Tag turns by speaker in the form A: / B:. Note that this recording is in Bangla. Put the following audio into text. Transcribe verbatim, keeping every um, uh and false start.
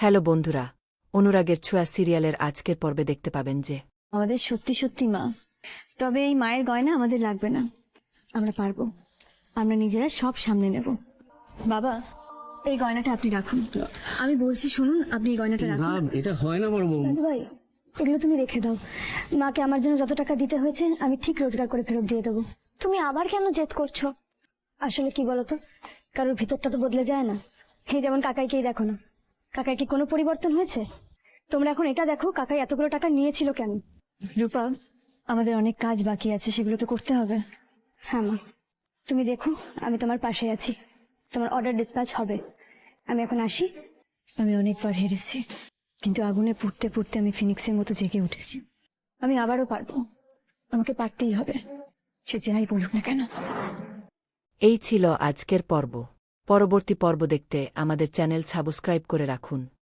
A: হ্যালো বন্ধুরা, অনুরাগের ছোঁয়া সিরিয়ালের আজকের পর্বে দেখতে পাবেন যে
B: আমাদের সত্যি সত্যি মা। তবে এই মায়ের গয়না আমাদের লাগবে না, আমরা পারবো, আমরা নিজেরা সব সামনে নেব। বাবা, এই গয়নাটা আপনি রাখুন। আমি বলছি শুনুন, আপনি এই গয়নাটা
C: না
B: রাখুন।
C: এটা হয় না বড় বউ।
D: দাদু ভাই, এগুলো তুমি রেখে দাও। মাকে আমার জন্য যত টাকা দিতে হয়েছে আমি ঠিক রোজগার করে ফেরত দিয়ে দেবো।
E: তুমি আবার কেন জেদ করছো?
D: আসলে কি বলতো, কারোর ভিতরটা তো বদলে যায় না। এই যেমন কাকাইকেই দেখো না, কাকাই কি কোনো পরিবর্তন হয়েছে? তোমরা এখন এটা দেখো, কাকাই এতগুলো টাকা নিয়েছিল কেন।
B: রূপা, আমাদের অনেক কাজ বাকি আছে, সেগুলো তো করতে হবে।
D: হ্যাঁ মা, তুমি দেখো আমি তোমার পাশে আছি, তোমার অর্ডার ডিসপ্যাচ হবে। আমি এখন আসি।
B: আমি অনেকবার হেরেছি, কিন্তু আগুনে পুড়তে পুড়তে আমি ফিনিক্সের মতো জেগে উঠেছি। আমি আবারও পারবো, আমাকে পারতেই হবে, সে যাই বলুক না কেন।
A: এই ছিল আজকের পর্ব। পরবর্তী পর্ব দেখতে আমাদের চ্যানেল সাবস্ক্রাইব করে রাখুন।